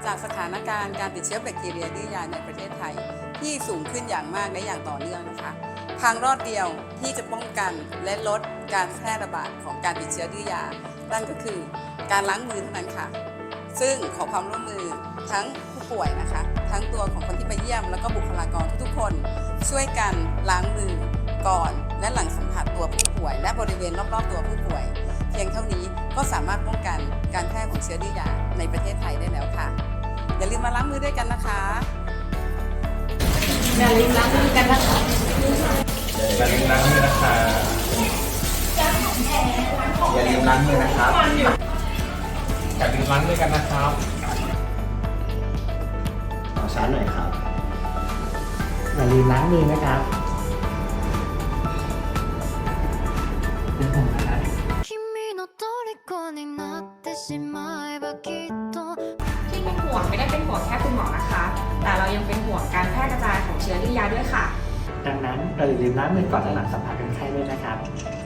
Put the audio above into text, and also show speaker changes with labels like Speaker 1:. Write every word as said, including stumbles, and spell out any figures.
Speaker 1: จากสถานการณ์การติดเชื้อแบคทีเรียดื้อยาในประเทศไทยที่สูงขึ้นอย่างมากและอย่างต่อเนื่องนะคะทางรอดเดียวที่จะป้องกันและลดการแพร่ระบาดของการติดเชื้อดื้อยานั่นก็คือการล้างมือเท่านั้นค่ะซึ่งขอความร่วมมือทั้งผู้ป่วยนะคะทั้งตัวของคนที่ไปเยี่ยมแล้วก็บุคลากรทุกๆคนช่วยกันล้างมือก่อนและหลังสัมผัสตัวผู้ป่วยและบริเวณรอบๆตัวผู้ป่วยเพียงเท่านี้ก็สามารถป้องกันการแพร่ของเชื้อดื้อยาในประเทศไทยได้แล้วค่ะอย่าลืมมาล้างมือด้วยกันนะคะอย่าลืมล้างมือกันนะคะ
Speaker 2: อย่าลืมล้างมือนะคะ
Speaker 3: อย่าลืมล้างมือนะครับ
Speaker 2: อย่าลืมล้างมือกันนะครับ
Speaker 3: ขอช้าหน่อยครับ
Speaker 4: อย่าลืมล้างมือนะครับเป็นห่วงนะครับ
Speaker 5: ที่เป็นห่วงไม่ได้เป็นห่วงแค่คุณหมอนะคะ แต่เรายังเป็นห่วงการแพร่กระจายของเชื้อดื้อยาด้วยค่ะ
Speaker 4: ดังนั้นเราอย่าลืมล้างมือก่อนและหลังสัมผัสคนไข้ด้วยนะครับ